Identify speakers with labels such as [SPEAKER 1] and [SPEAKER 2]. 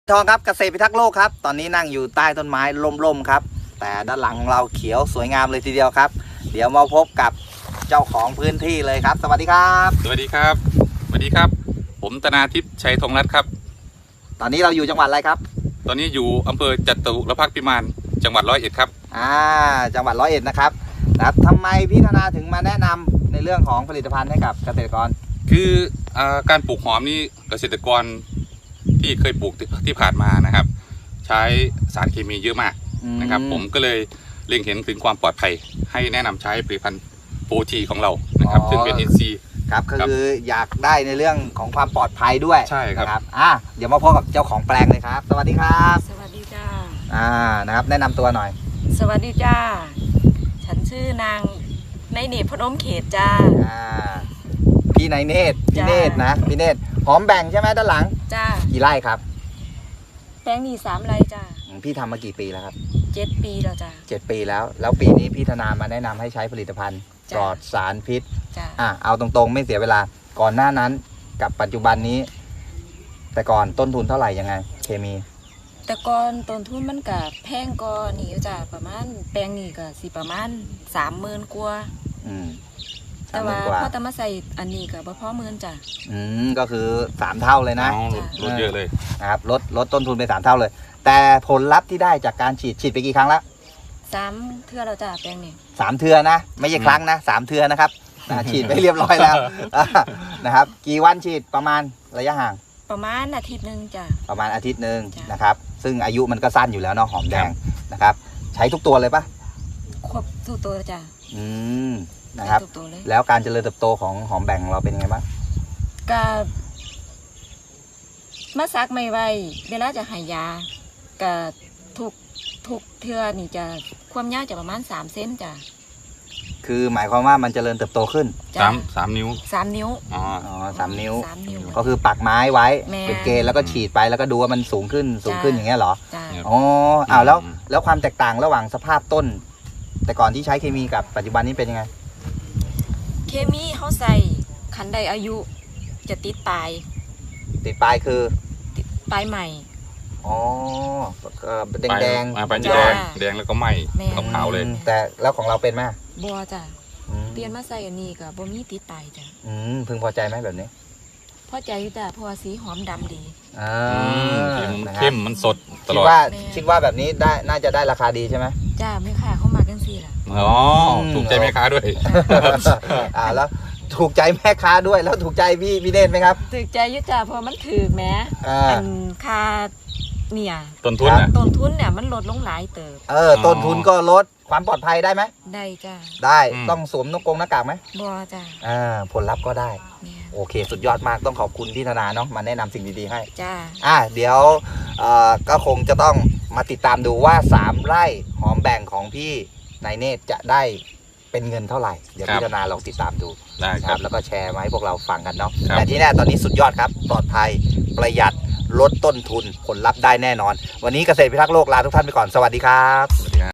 [SPEAKER 1] ทองครับเกษตรพิทักษ์โลกครับตอนนี้นั่งอยู่ใต้ต้นไม้ร่มๆครับแต่ด้านหลังของเราเขียวสวยงามเลยทีเดียวครับเดี๋ยวมาพบกับเจ้าของพื้นที่เลยครับสวัสดีครับ
[SPEAKER 2] สวัสดีครับสวัสดีครับผมธนาทิพย์ชัยธงรัตน์ครับ
[SPEAKER 1] ตอนนี้เราอยู่จังหวัดอะไรครับ
[SPEAKER 2] ตอนนี้อยู่อำเภอจตุรพักษ์พิมานจังหวัดร้อยเอ็ดครับ
[SPEAKER 1] จังหวัดร้อยเอ็ดนะครับทำไมพี่ธนาถึงมาแนะนำในเรื่องของผลิตภัณฑ์ให้กับเกษตรกร
[SPEAKER 2] คือการปลูกหอมนี่เกษตรกรที่เคยปลูกที่ผ่านมานะครับใช้สารเคมีเยอะมากนะครับผมก็เลยเล็งเห็นถึงความปลอดภัยให้แนะนำใช้ผลิตภัณฑ์โปรทีของเรานะครับซึ่งเป็น NC
[SPEAKER 1] ครับคืออยากได้ในเรื่องของความปลอดภัยด้วย
[SPEAKER 2] ใช่ครับ
[SPEAKER 1] เดี๋ยวมาพบกับเจ้าของแปลงเลยครับสวัสดีครับ
[SPEAKER 3] สวัสดีจ้า
[SPEAKER 1] นะครับแนะนำตัวหน่อย
[SPEAKER 3] สวัสดีจ้าฉันชื่อนางในเนตรพนมเขตจ้า
[SPEAKER 1] พี่นายเนตรพี่เนตรนะพี่เนตรหอมแบ่งใช่ไหมด้านหลัง
[SPEAKER 3] จ้า
[SPEAKER 1] กี่ไร่ครับ
[SPEAKER 3] แปลงนี้3 ไร่จ้า
[SPEAKER 1] พี่ทำมากี่ปีแล้วครับ
[SPEAKER 3] 7 ปีแล้วจ้า
[SPEAKER 1] 7 ปีแล้วปีนี้พี่ธนามาแนะนำให้ใช้ผลิตภัณฑ์ปลอดสารพิษเอาตรงๆไม่เสียเวลาก่อนหน้านั้นกับปัจจุบันนี้แต่ก่อนต้นทุนเท่าไหร่ยังไงเคมี
[SPEAKER 3] แต่ก่อนต้นทุนมันกับแพงกว่านี่จ้าประมาณแปลงนี้ก็สิประมาณ30,000 กว่าแต่ว่าพอจะมาใส่อันนี้ก็บ่พอ10,000จ้ะ
[SPEAKER 1] ก็คือ3 เท่าเลยนะ
[SPEAKER 2] ลดเยอะเลย
[SPEAKER 1] นะครับลดต้นทุนไป3 เท่าเลยแต่ผลลัพธ์ที่ได้จากการฉีดไปกี่ครั้งแล้ว
[SPEAKER 3] 3 เทื่อแล้วจ้ะแปลงนี้
[SPEAKER 1] 3 เทื่อนะไม่ใช่ครั้งนะ3 เทื่อนะครับฉีดไปเรียบร้อยแล้วนะครับกี่วันฉีดประมาณระยะห่าง
[SPEAKER 3] ประมาณอาทิตย์นึงจ้ะ
[SPEAKER 1] ประมาณอาทิตย์นึงนะครับซึ่งอายุมันก็สั้นอยู่แล้วเนาะหอมแดงนะครับใช้ทุกตัวเลยปะ
[SPEAKER 3] ครบทุกตัวจ้ะ
[SPEAKER 1] นะครับแล้วการเจริญเติบโตของหอมแบ่งเราเป็นยังไงบ้าง
[SPEAKER 3] ก็มาซักไม่ไวเวลาจะหายาก็ทุกเทือนี่จะความยาวจะประมาณ3 เซนจ้ะ
[SPEAKER 1] คือหมายความว่ามันเจริญเติบโตขึ้น
[SPEAKER 2] 3 นิ้ว
[SPEAKER 3] 3 นิ้ว
[SPEAKER 1] 3 นิ้วก็คือปักไม้ไว้เป็นเกณฑ์แล้วก็ฉีดไปแล้วก็ดูว่ามันสูงขึ้นอย่างเงี้ยเหรอแล้วความแตกต่างระหว่างสภาพต้นแต่ก่อนที่ใช้เคมีกับปัจจุบันนี้เป็นยังไง
[SPEAKER 3] เคมีเขาใส่คันใดอายุจะติดปลาย
[SPEAKER 1] คือ
[SPEAKER 3] ติดปลายใหม่
[SPEAKER 1] แดงแดง
[SPEAKER 2] แล้วก็ไหม้ขาวเลย
[SPEAKER 1] แต่แล้วของเราเป็นไหม
[SPEAKER 3] บัวจ้ะเปลี่ยนมาใส่อันนี้กับบัวมีติดปลายจ้ะ
[SPEAKER 1] พึงพอใจไหมแบบนี้
[SPEAKER 3] พอใจจ้ะเพราะว่าสีหอมดำดี
[SPEAKER 2] เข้มมันสดตลอด
[SPEAKER 1] คิดว่าแบบนี้ได้น่าจะได้ราคาดีใช่ไหม
[SPEAKER 3] จ้าไม่ค่ะเข้ามากันสิล่ะ
[SPEAKER 2] ถูกใจแม่ค้าด้วย
[SPEAKER 1] แล้วถูกใจแม่ค้าด้วยแล้วถูกใจพี่เนตรไหมครับ
[SPEAKER 3] ถูกใจยุจ่าเพราะมันถือแม้ค่าเนี่ย
[SPEAKER 2] ต้นทุน
[SPEAKER 3] เนี่ยมันลดลงหลายเติบ
[SPEAKER 1] ต้นทุนก็ลดความปลอดภัยได้ไหม
[SPEAKER 3] ได้จ้า
[SPEAKER 1] ได้ต้องสวมหน้ากากไหม
[SPEAKER 3] บัวจ้า
[SPEAKER 1] ผลลัพธ์ก็ได้โอเคสุดยอดมากต้องขอบคุณพี่ธนาเนาะมาแนะนำสิ่งดีๆให้
[SPEAKER 3] จ้
[SPEAKER 1] าเดี๋ยวก็คงจะต้องมาติดตามดูว่า3 ไร่หอมแบ่งของพี่นายเนตรจะได้เป็นเงินเท่าไหร่เดี๋ยวพี่ธนาลองติดตามดู
[SPEAKER 2] ครับ
[SPEAKER 1] แล้วก็แชร์มาให้พวกเราฟังกันเนาะแต่ที่แน่ตอนนี้สุดยอดครับปลอดภัยประหยัดลดต้นทุนผลลัพธ์ได้แน่นอนวันนี้เกษตรพิทักษ์โลกลาทุกท่านไปก่อนสวัสดีครับ